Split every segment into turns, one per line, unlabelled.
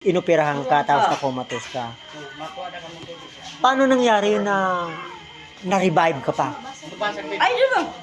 inoperahan ka tapos na-comatose ka. Paano nangyari yun na na-revive ka pa?
I don't know.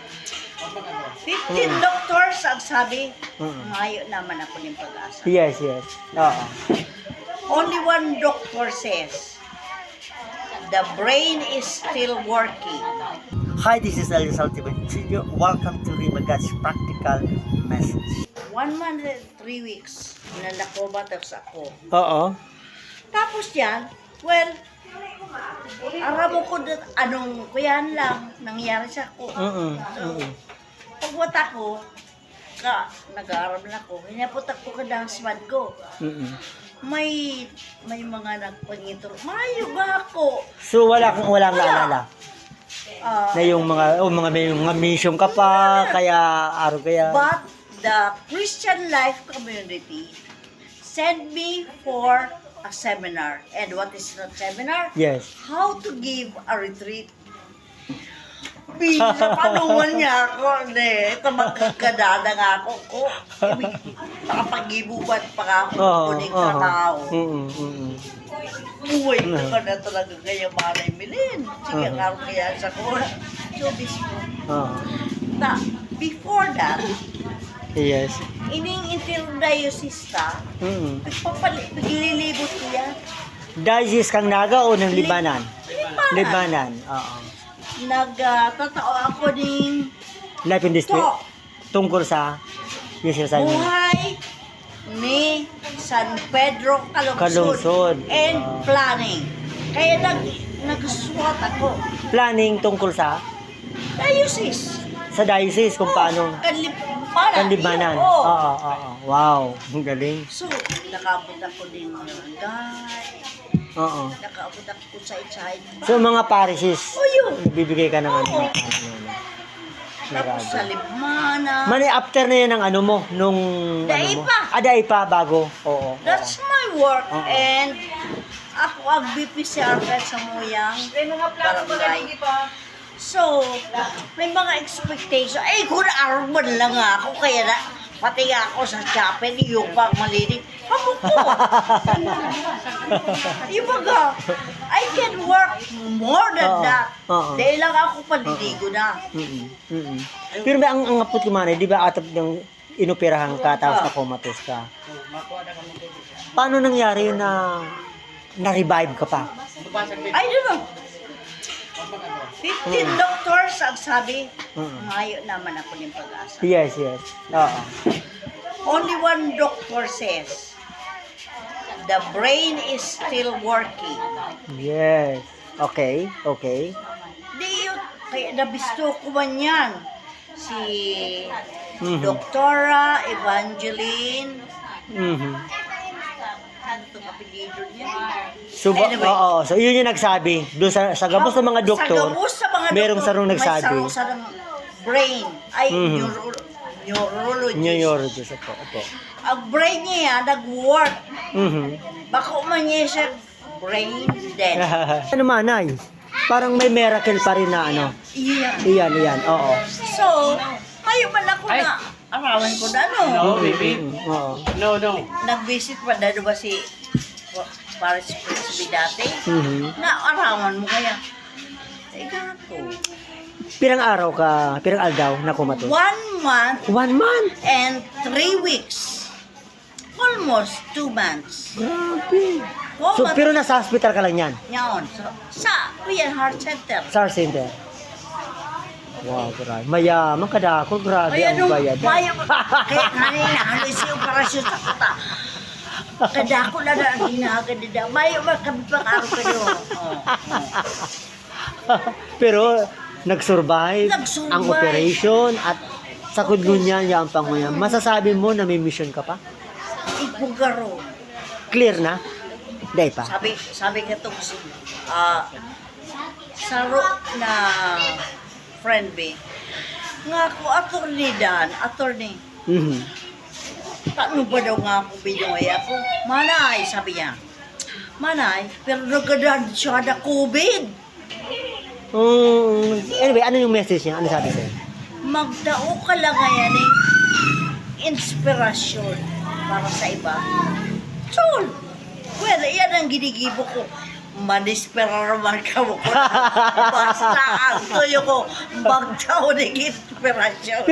15 doctors ang sabi, mayo naman ako ng pag-asa.
Yes, yes. Oo.
Only one doctor says, the brain is still working.
Hi, this is Elias Altiventillo. Welcome to Rimagat's Practical Message.
1 month and 3 weeks na nakomatose ako.
Oo.
Tapos yan, well, aram ko doon, anong kuyan lang, nangyari sa ako. Pagwata ko, nag-aaral na ako, hinaputak ko ka ng husband ko. May mga nagpangitro, mayo ba ako?
So walang naalala? Na yung may mga mission ka pa, kaya araw kaya.
But the Christian Life Community sent me for a seminar. And what is that seminar?
Yes.
How to give a retreat. Bisa panungan niya ako. Ito magkakadada nga ako. Nakapag-ibuban pa ako. Kuning trabaho. Uy, ito ka na talaga kaya malay milin. Sige, nga kaya sa ko. So, this before that,
yes.
ining interdiocesta, naglilibot ko yan.
Diocese kang Naga o ng Libanan?
Libanan.
Oo.
Nagtatao ako ng
Life in District? Tungkol sa
buhay ni San Pedro Calungsod and planning. Kaya nagsuwat ako.
Planning tungkol sa?
Diocese.
Sa diocese kung paano? Kanlibanan. Oo. Wow, ang galing.
So, nakabot ako din ng barangay.
Oo.
Nakaabot ako sa inside.
So, mga parishes,
yun.
bibigay ka ng ano.
Tapos sa Libmana.
Mani, after na yan ang ano mo, nung
Daipa.
Daipa, bago. Oo.
That's my work. And ako ang BPCR sa Muyang barangay. So, may mga expectation. Kung araw lang ako, kaya na, pati ako sa chapel, yung pang malinig. Amo ko! Yung baga, I can work more than that. Dahil lang ako paliligo na.
Pero may ang ngapot ko man, di ba atap ng inoperahan ka, tapos na-comatose ka? Paano nangyari yun na na-revive ka pa?
I don't know. 15 doctors ang sabi, mayo naman ako ng pag-asa.
Yes, yes. Oo.
Only one doctor says, the brain is still working.
Yes. Okay.
Di yun, kaya nabisto ko man yan. Si Doktora Evangeline, ano itong apelido niya?
So,
Anyway.
so yun yung nagsabi. Doon sa gabos ng mga doktor,
Sa gabos sa mga
merong sarong nagsabi.
May sarong brain. Ay, neurologist.
Neurologist, opo.
Ang brain niya nag-work. Baka umanya siya brain dead.
Ano manay? Parang may miracle pa rin na ano. Iyan, oo.
So, kayo man ako na arawan ko na, no?
No, baby.
Oo.
No.
Nag-visit pa na ba si Paris Prince dati? Na arawan mo kaya? Teka ako.
Pirang araw ka, pirang aldaw na kumatos?
1 month
1 month?
and 3 weeks. Almost 2 months.
Grabe. So, pero nasa hospital ka lang yan?
Yan. So, sa Kuya Heart Center.
SAR Center? Wow, grabe. Mayaman ka dako, grabe
Ay,
ang
ano,
bayad.
kaya kanina, halos yung parasyon sa kata. Kada ko na ang ginagad nila. Mayo ba kami pang araw ka doon?
Pero, nag-survive
Nag-survive.
ang operation at sa kudlunya niya ang panguya. Masasabi mo na may mission ka pa?
Ibugaro.
Clear na? Day pa?
Sabi ka to, saro na friend be. Nga ako, attorney. Paano ba daw nga ako binuhay ako? Manay, sabi niya. Manay, pero nagkadaan siya na COVID.
Anyway, ano yung message niya? Ano sabi sa'yo?
Magdao ka lang ngayon inspirasyon para sa iba. Chul! Well, yan ang ginigibo ko. Manispera naman ka mo ko. Basta ang tuyo ko, magtaon ng inspirasyon.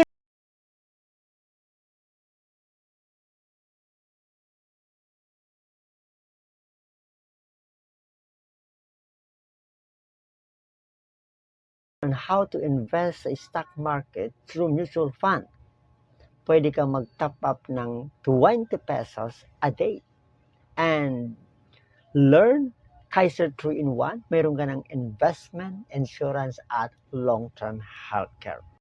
On how to invest sa stock market through mutual fund. Pwede ka mag-top up ng 20 pesos a day. And learn Kaiser 3-in-1. Meron ka ng investment, insurance, at long-term healthcare.